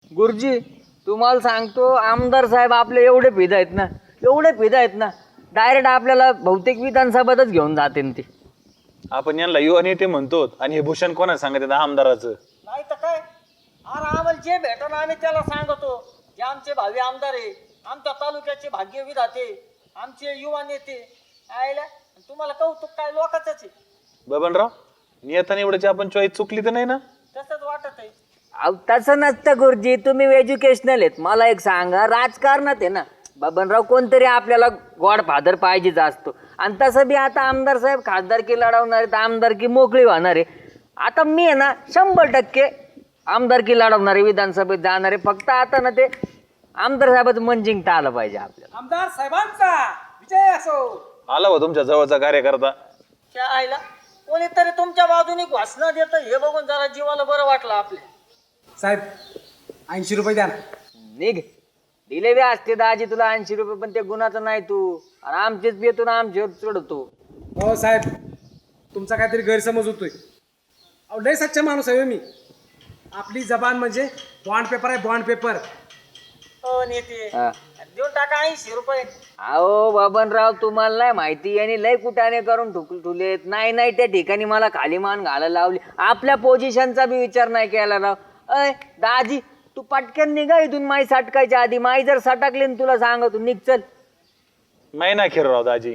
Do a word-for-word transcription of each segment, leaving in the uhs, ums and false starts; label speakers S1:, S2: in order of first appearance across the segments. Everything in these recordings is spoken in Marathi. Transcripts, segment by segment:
S1: गुरुजी तुम्हाला सांगतो आमदार साहेब आपले एवढे फिदा आहेत ना एवढे फिदा आहेत ना डायरेक्ट आपल्याला बहुतेक विधानसभातच घेऊन जाते ते.
S2: आपण यांना युवा नेते म्हणतो आणि हे भूषण कोणा सांगत आमदाराचं?
S3: नाही तर काय अरे आम्हाला जे भेटन आम्ही त्याला सांगतो. जे आमचे भावी आमदार आहे, आमच्या तालुक्याचे भाग्य विधाते, आमचे युवा नेते आयला तुम्हाला कौतुक काय लोकांच आहे.
S2: बबनराव नियताने एवढ्याची आपण चॉईस चुकली तर नाही ना?
S3: तसंच वाटत आहे.
S1: अहो तसं नसतं गुरुजी, तुम्ही एज्युकेशनल आहेत. मला एक सांगा, राजकारणात आहे ना बबनराव कोणतरी आपल्याला गॉड फादर पाहिजेच असतो. आणि तसं बी आता आमदार साहेब खासदारकी लढवणार आहेत, आमदारकी मोकळी होणार आहे. आता मी आहे ना शंभर टक्के आमदारकी लढवणार आहे, विधानसभेत जाणार आहे. फक्त आता ना ते आमदार साहेबाचं मन जिंकता आलं पाहिजे आपल्याला.
S3: आमदार साहेबांचा विजय असो.
S2: आला हो तुमच्या जवळचा कार्यकर्ता.
S3: त्या आईला कोणीतरी तुमच्या बाजूने घोषणा देत हे बघून जरा जीवाला बरं वाटलं आपल्या.
S4: साहेब ऐंशी रुपये द्या ना.
S1: निघ दिले बी असते दाजी तुला ऐंशी रुपये, पण ते गुणाचं नाही तू. आणि आमचेच बेतून आमच्यावर चढतो.
S4: हो साहेब तुमचा काहीतरी गैरसमज होतोय. अहो लय सच्चा माणूस आहे हो मी. आपली जबान म्हणजे बॉन्ड पेपर आहे, बॉन्ड पेपर.
S3: हो नेते
S1: हा.
S3: देऊन टाका ऐंशी रुपये.
S1: अहो बबनराव तुम्हाला नाही माहिती आणि लय कुटाने करून ठुकल ठुलेत. नाही नाही त्या ठिकाणी मला खाली मान घालायला लावली. आपल्या पोझिशनचा बी विचार नाही केला राव. अय दाजी तू पटकन निघा इथून, माई सटकायच्या आधी. माई जर सटकली ना तुला सांगतो निघ चल.
S2: नाही ना खिरराव दाजी.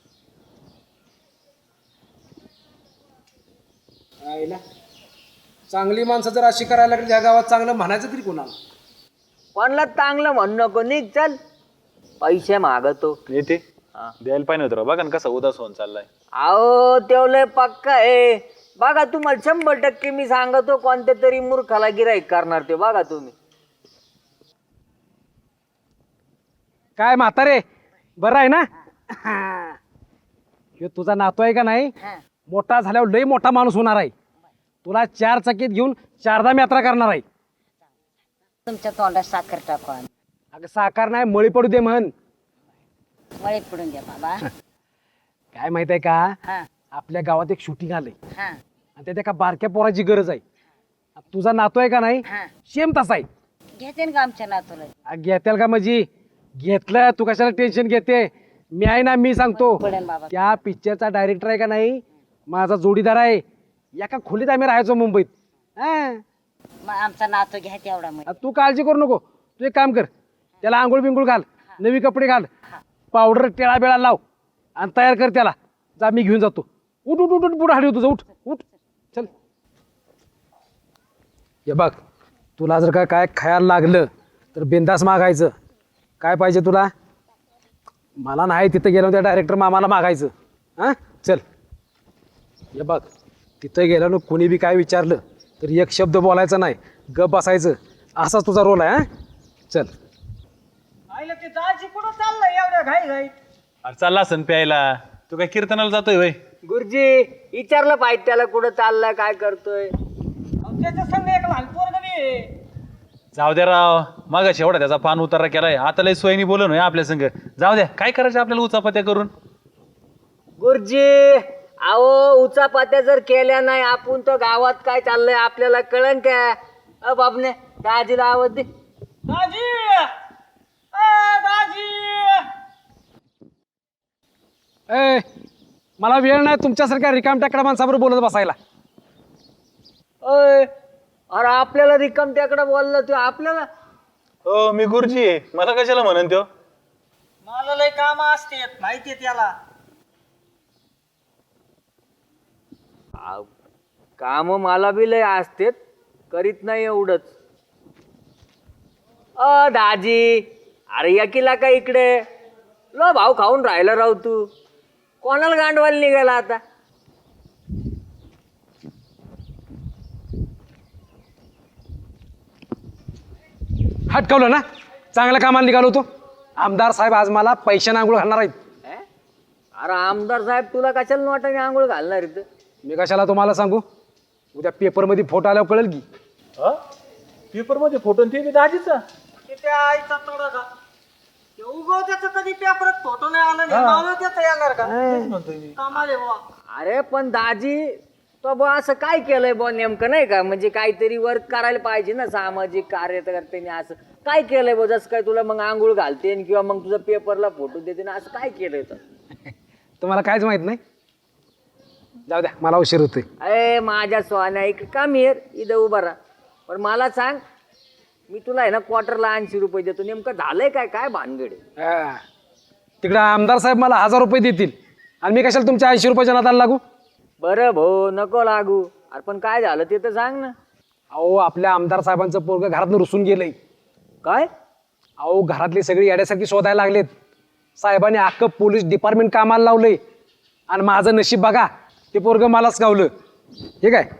S4: आईला चांगली माणसं जर अशी करायला लागली या गावात, चांगलं म्हणायचं तरी कोणाला?
S1: कोणला चांगलं म्हण नको, निघ चल. पैसे मागतो.
S2: नेते
S1: हा.
S2: द्यायला पाहिजे होतं राव. बघा ना कसा उदास होऊन चाललाय.
S1: अहो तेवढं पक्का आहे. बघा तुम्हाला शंभर टक्के मी सांगतो कोणत्या तरी मूर्खाला गिराईक करणार ते. बघा तुम्ही.
S4: काय म्हातारे बरं आहे ना? ह्यो तुझा नातू आहे का नाही, मोठा झाल्यावर लय मोठा माणूस होणार आहे. तुला चार चकीत घेऊन चारधाम यात्रा करणार आहे.
S5: तुमच्या तोंडात साखर टाकू आम्ही.
S4: अगं साकार नाही मळी पडू दे म्हण.
S5: मळी पडून द्या बाबा.
S4: काय माहित आहे का,
S5: हा
S4: आपल्या गावात एक शूटिंग आलंय
S5: हा
S4: आणि त्यात एका बारक्या पोराची गरज आहे. तुझा नातू आहे का नाही,
S5: हा
S4: सेम तसा आहे.
S5: घेते ना का आमच्या नातूला?
S4: आ, घेतेल का म्हणजे घेतलं, तू कशाला टेन्शन घेते? मी आहे ना, मी सांगतो.
S5: पडेल बाबा.
S4: त्या पिक्चरचा डायरेक्टर आहे का नाही माझा जोडीदार आहे. एका खोलीत आम्ही राहायचो मुंबईत. हा
S5: मग आमचा नातू घ्या तेवढा मग.
S4: आ, तू काळजी करू नको. तू एक काम कर, त्याला आंघोळ बिंगोळ घाल, नवी कपडे घाल, पावडर टेळा बेळा लाव आणि तयार कर त्याला. जा मी घेऊन जातो. उठ उठ उठ उठ पुढे हाडी तुझं. उठ उठ चल. हे बघ तुला जर का काय खायला लागलं तर बिंदास मागायचं. काय पाहिजे तुला? मला नाही तिथं गेलं त्या डायरेक्टर मामाला मागायचं. हां चल. हे बघ तिथं गेलं ना कोणी बी काय विचारलं तर एक शब्द बोलायचा नाही, गप बसायचं. असाच तुझा रोल आहे. हां चल.
S3: आईला ते दाजी कुठं चाललंय एवढ्या घाई घाई?
S2: अरे चालला असन प्यायला. तू काय कीर्तनाला जातोय वय?
S1: गुरुजी विचारलं पाहिजे त्याला कुठं चाललाय काय करतोय.
S3: त्याच्या संग एक लहान पोरग बी आहे.
S2: जाऊ द्या राव. मागाशी एवढा त्याचा पान उतारा केलाय, आता लय सोयीनी बोलून होय आपल्या संग. जाऊ द्या, काय करायचं आपल्याला उचापत्या करून.
S1: गुरुजी अहो उचापात्या जर केल्या नाही आपण तर गावात काय चाललंय आपल्याला कळन काय. अ बाबने दाजीला आवाज दे.
S3: दाजी अ, दाजी
S4: ए मला वेळ नाही तुमच्यासारख्या रिकाम टाकडा माणसाबरोबर बोलत बसायला.
S1: अय अरे आपल्याला रिकाम त्याकडे बोललं तू आपल्याला.
S2: हो मी गुरुजी आहे, मला कशाला म्हणन त्यो?
S3: मला लय काम असते माहितीये त्याला.
S1: काम मला बी लय असतेत, करीत नाही एवढंच. अ दाजी अरे यकीला का इकडे लो भाऊ खाऊन राहिला राव तू. कोणाला गांडवायला निघाला आता?
S4: हटकवलं ना, चांगल्या कामाला निघालो होतो. आमदार साहेब आज मला पैशाने आंघोळ घालणार आहेत.
S1: ए? अरे आमदार साहेब तुला कशाला वाटाने आंघोळ घालणार इथं?
S4: मी कशाला तुम्हाला सांगू, उद्या पेपरमध्ये फोटो आल्यावर कळेल की.
S2: पेपर मध्ये फोटो ते बी दाजीचा.
S3: ते त्या आईचा तोडा का उगव त्याचं कधी पेपरात फोटो नाही आला नाही. नाव त्याचं येणार का? कामाले बुवा.
S1: अरे पण दाजी तो का बुवा असं काय केलंय बुवा नेमकं नाही का, म्हणजे काहीतरी वर्क करायला पाहिजे ना सामाजिक कार्यकर्त्यांनी. असं काय केलंय बुवा, जसं काय तुला मग आंघोळ घालते किंवा मग तुझं पेपरला फोटो देते ना, असं काय केलंय तर?
S4: तुम्हाला काहीच माहित नाही. जाऊ द्या, मला उशीर होतोय.
S1: अरे माझ्या सोन्या एक काम येर इथं उभा राहा. पण मला सांग, मी तुला आहे ना क्वार्टरला ऐंशी रुपये देतो, नेमकं झालंय काय, काय भानगड आहे?
S4: हा. तिकडं आमदार साहेब मला हजार रुपये देतील आणि मी कशाला तुमच्या ऐंशी रुपयाच्या नादाला लागू?
S1: बरं भाऊ नको लागू. अरे पण काय झालं ते तर सांग ना.
S4: अहो, आपल्या आमदार साहेबांचं पोरग घरातनं रुसून गेलंय.
S1: काय?
S4: अहो, घरातली सगळी येड्यासारखी शोधायला लागलेत. साहेबांनी अख्खं पोलीस डिपार्टमेंट कामाला लावलंय आणि माझं नशीब बघा, ते पोरग मलाच गावलं. ठीक आहे.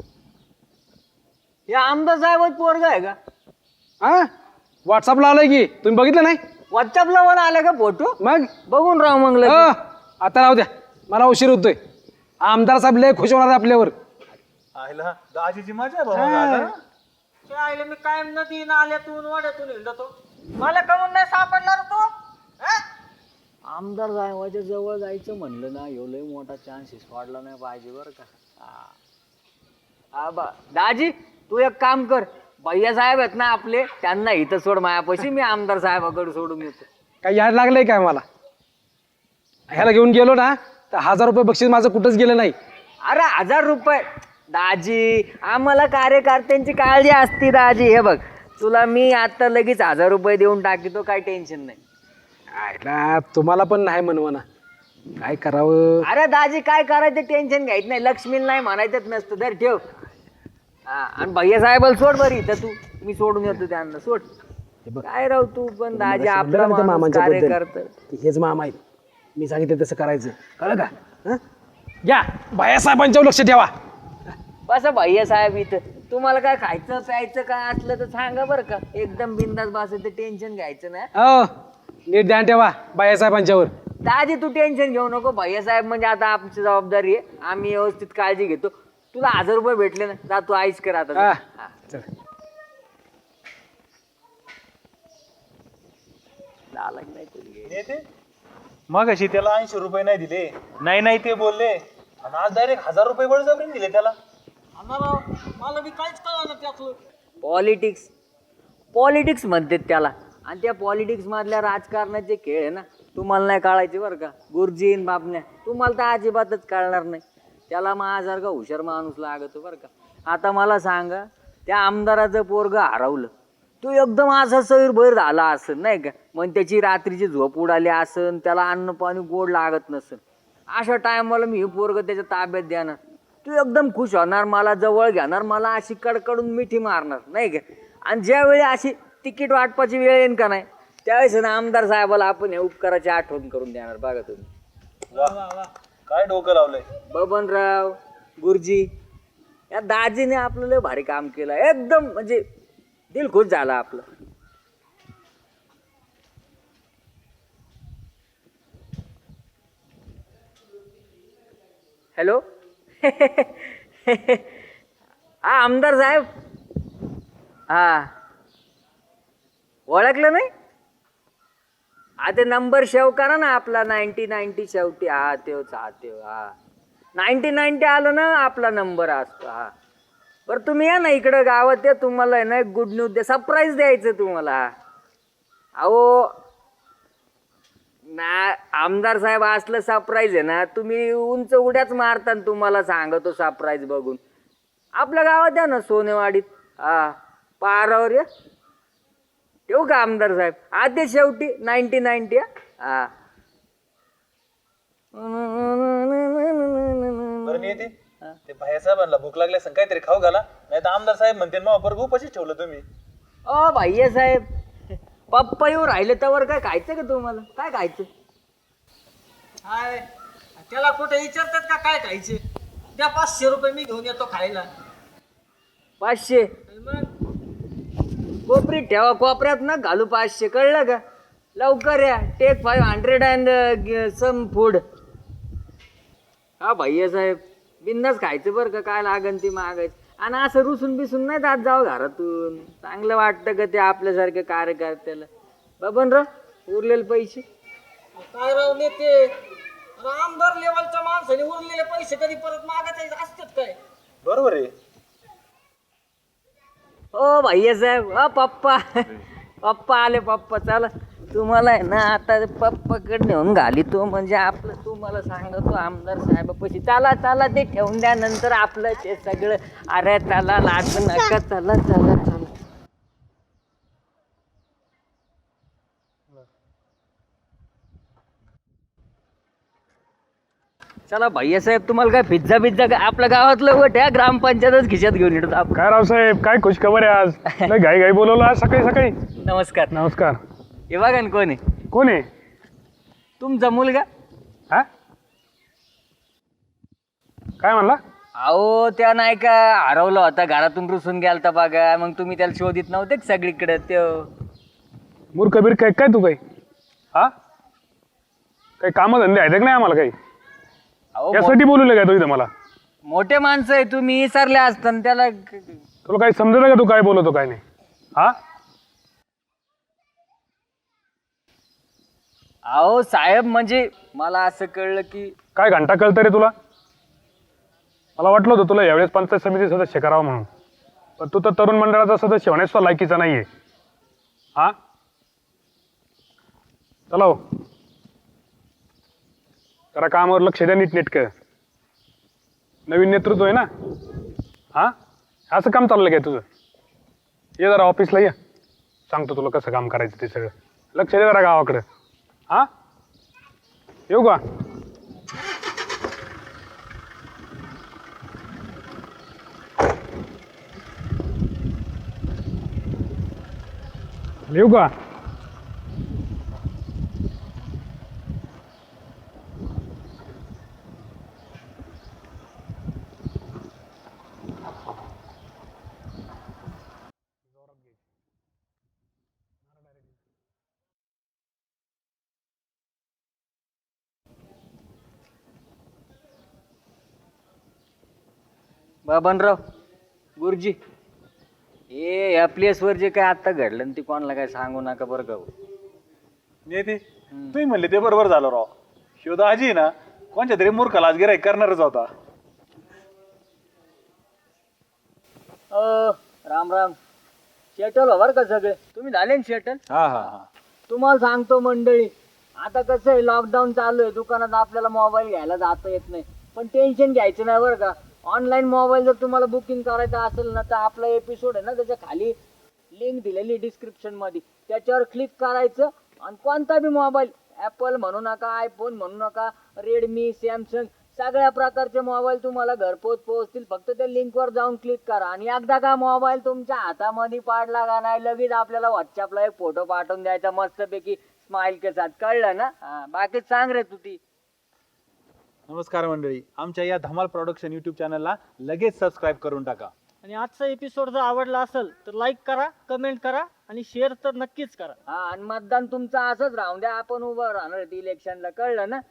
S1: हे आमदार साहेब पोरग आहे का?
S4: हा, व्हॉट्सअपला आलंय की, तुम्ही बघितलं नाही?
S1: व्हॉट्सअपला वर आला का फोटो?
S4: मग
S1: बघून राहू मग
S4: अ,
S1: लगेच.
S4: आता राहू द्या, मला उशीर होतोय. आमदार साहेब लय खुश होणार आहे आपल्यावर.
S2: आईला दाजीची मजा आहे बाबा आता.
S3: ते आईला मी कायम नदी नाल्यातून वाड्यातून हिंडतो, मला कमून नाही सापडणार तो. हा?
S1: आमदार साहेबाच्या जवळ जायचं म्हणलं ना, ह्यो लय मोठा चान्सेस वाढला नाही पाहिजे बरं का. हा. हा बा दाजी, तू एक काम कर, भैया साहेब आहेत ना आपले, त्यांना इथं सोड मायापाशी, मी आमदार साहेबाकडे सोडून येतो.
S4: काय याड लागलंय काय मला? ह्याला घेऊन गेलो ना तर हजार रुपये बक्षीस माझं कुठंच गेलं नाही.
S1: अरे हजार रुपये दाजी, आम्हाला कार्यकर्त्यांची काळजी असते दाजी. हे बघ, तुला मी आता लगेच हजार रुपये देऊन टाकीतो, काय टेन्शन नाही.
S4: आयला तुम्हाला पण नाही म्हणवा ना, काय करावं?
S1: अरे दाजी काय करायचं टेन्शन घ्यायचं नाही, लक्ष्मीला नाही म्हणायचंच नसतं. धर ठेव. हा, आणि भैया साहेबाला सोड बरी इथं, तू मी सोडून येतो त्यांना, सोड. काय राव तू पण दाजी, आपला माणूस कार्यकर्ता.
S4: हेच मामा आहेत, मी सांगितलं तसं करायचं, कळलं का? हं? या भैया साहेबांच्यावर लक्ष ठेवा.
S1: बस भैया साहेब इथं, तुम्हाला काय खायचं प्यायचं काय असलं तर सांगा बरं का, एकदम बिंदास बसायचं, टेन्शन घ्यायचं ना.
S4: हो, नीट ध्यान ठेवा भैया साहेबांच्यावर.
S1: दाजी तू टेन्शन घेऊ नको, भैया साहेब म्हणजे आता आमची जबाबदारी आहे, आम्ही व्यवस्थित काळजी घेतो. तुला हजार रुपये भेटले ना, जा तू आईस कर आता.
S4: हा,
S1: हा.
S4: चल.
S1: नालायक नाही तुझी.
S2: येते मग अशी त्याला ऐंशी रुपये नाही दिले, नाही नाही ते बोलले, आणि आज डायरेक्ट हजार रुपये बळजबरीने दिले त्याला.
S3: राव मला बी काहीच कळलं त्यातलं.
S1: पॉलिटिक्स पॉलिटिक्स म्हणतात त्याला, आणि त्या पॉलिटिक्स मधल्या राजकारणाचे खेळ आहे ना, तुम्हाला नाही कळायचे बरं का गुरुजीन बापण्या, तुम्हाला तर अजिबातच कळणार नाही. त्याला माझ्यासारखा हुशार माणूस लागतो बरं का. आता मला सांगा, त्या आमदाराचं पोरग हरवलं, तो एकदम असा सैरभैर झाला असेल नाही का, मग त्याची रात्रीची झोप उडाली असेल, त्याला अन्न पाणी गोड लागत नसेल, अशा टायमाला मी हे पोरग त्याच्या ताब्यात देणार, तू एकदम खुश होणार, मला जवळ घेणार, मला अशी कडकडून मिठी मारणार नाही का. आणि ज्यावेळी अशी तिकीट वाटपाची वेळ येईन का नाही, त्यावेळेस ना आमदार साहेबाला आपण हे उपकाराची आठवण करून देणार. बघा तुम्ही.
S2: वा काय डोकं लावलंय
S1: बबनराव गुरुजी, या दाजीने आपलं लय भारी काम केलं, एकदम म्हणजे दिल खुश झाला आपलं. हॅलो हा आमदार साहेब, हा ओळखलं नाही? हा ते नंबर सेव्ह करा ना आपला, नाईन्टी नाईन्टी शेवटी. हा तेच, हा तेव, हा नाईन्टी नाईन्टी आलं ना आपला नंबर असतो. हा बरं तुम्ही या ना इकडं गावात, या तुम्हाला आहे ना एक गुड न्यूज द्या, सरप्राईज द्यायचं तुम्हाला. अहो ना आमदार साहेब असलं सरप्राईज आहे ना, तुम्ही उंच उड्याच मारता, तुम्हाला सांगतो सरप्राईज बघून. आपल्या गावात या ना सोनेवाडीत, हा पारावर या. ठेवू का आमदार साहेब? आधी शेवटी नाईन्टी नाईन्टी. हा
S2: बरं मी येते. ते भैया साहेबांना भूक लागली असं काहीतरी खाऊ घाला, नाही तर आमदार साहेब म्हणते मग बरं उपाशीच ठेवलं तुम्ही.
S1: ओ भैया साहेब, पप्पा येऊ राहिले त्यावर काय खायचं का तुम्हाला? काय खायचं?
S3: हाय, त्याला कुठे विचारतात का काय खायचे? द्या पाचशे रुपये, मी घेऊन येतो खायला.
S1: पाचशे
S3: आणि मग
S1: कोपरीत ठेवा, कोपऱ्यात ना घालू पाचशे, कळलं का? लवकर या, take five hundred and some food. हा भैया साहेब बिंदास खायचं बरं का, काय लागन ते मागायचं. आणि असं रुसून बिसून नाही जात जावं घरातून, चांगलं वाटतं का ते आपल्यासारख्या कार्यकर्त्याला. बबनराव उरलेले पैसे
S3: काय राव नेते, अरे आमदार लेवलच्या माणसाने उरलेले पैसे कधी परत मागायचे असतात काय?
S2: बरोबर आहे.
S1: ओ भैया साहेब, अ पप्पा पप्पा आले पप्पा. चला तुम्हाला आहे ना आता पप्पाकडे नेऊन घाली तो म्हणजे आपलं तुम्हाला सांगतो आमदार साहेबापाशी. चला चला ते ठेवून द्या, नंतर आपलं ते सगळं. अरे चला लाज नका, चला चला चला. चला भैया साहेब, तुम्हाला काय पिझ्झा पिझ्झा काय आपल्या गावातलं वट आहे, ग्रामपंचायतच खिशात घेऊन येतो आपण.
S6: काय रावसाहेब, काय खुशखबर आहे आज? लय घाई घाई बोलवलं आज सकाळी सकाळी.
S1: नमस्कार.
S6: नमस्कार.
S1: हे बघा ना कोण आहे,
S6: कोण आहे?
S1: तुमचा मुलगा.
S6: हा काय म्हणला?
S1: अहो त्या नाही का हरवला होता, घरातून रुसून गेलता बघा, मग तुम्ही त्याला शोधित नव्हते का सगळीकडे? ते
S6: मूर्ख बीर काय काय तू काही हा काही काम धंदे आहेत का नाही आम्हाला काही?
S1: अहो मो-
S6: यासाठी बोलवलं काय तू इथं मला?
S1: मोठे माणसं आहे, तुम्ही विसरले असताना त्याला.
S6: तुला काही समजत का तू काय बोलवतो काय नाही? हा
S1: अहो साहेब, म्हणजे मला असं कळलं की
S6: काय घंटा कळतं रे तुला? मला वाटलं होतं तुला यावेळेस पंचायत समिती सदस्य करावं म्हणून, पण तू तर तरुण मंडळाचा सदस्य होण्यास सुद्धा लायकीचा नाहीये. हा चला हो, जरा कामावर लक्ष द्या नीटनेटकं. नवीन नेतृत्व आहे ना. हा असं काम चाललं काय तुझं? ये जरा ऑफिसला ये, सांगतो तुला कसं काम करायचं ते सगळं. लक्ष दे जरा गावाकडं. हा येऊ का? येऊ का?
S1: बाबनराव गुरुजी, हे या प्लेसवर जे काय आता घडलं ना, ते कोणाला काय सांगू नका बरं का.
S2: नेते तुम्ही म्हणले ते बरोबर झालं राव. शोधा आजी ना कोणत्या तरी मूर्खाला आज गिराईक करणारच होता.
S1: अ राम राम. शेटल हो बरं का सगळे, तुम्ही झाले ना शेटल?
S2: हा हा हा
S1: तुम्हाला सांगतो मंडळी, आता कसं आहे, लॉकडाऊन चालू आहे, दुकानात आपल्याला मोबाईल घ्यायला जाता येत नाही, पण टेन्शन घ्यायचं नाही बरं का. ऑनलाईन मोबाईल जर तुम्हाला बुकिंग करायचं असेल ना, तर आपला एपिसोड आहे ना, त्याच्या खाली लिंक दिलेली डिस्क्रिप्शन मध्ये, त्याच्यावर क्लिक करायचं आणि कोणता बी मोबाईल, ॲपल म्हणू नका, आयफोन म्हणू नका, रेडमी, सॅमसंग, सगळ्या प्रकारचे मोबाईल तुम्हाला घरपोच पोहोचतील. फक्त त्या लिंकवर जाऊन क्लिक करा आणि एकदा का मोबाईल तुमच्या हातामध्ये पाडला का नाही, लगेच आपल्याला व्हॉट्सअपला एक फोटो पाठवून द्यायचा मस्तपैकी स्माइल के साथ. कळलं ना? हा, बाकी सांग रे तू ती.
S2: नमस्कार मंडळी, आमच्या या धमाल प्रोडक्शन युट्यूब चॅनलला लगेच सबस्क्राईब करून टाका.
S3: आणि आजचा एपिसोड जर आवडला असेल तर लाईक करा, कमेंट करा आणि शेअर तर नक्कीच करा.
S1: हा, आणि मतदान तुमचं असंच राहून द्या, आपण उभं राहणार इलेक्शनला. कळलं ना?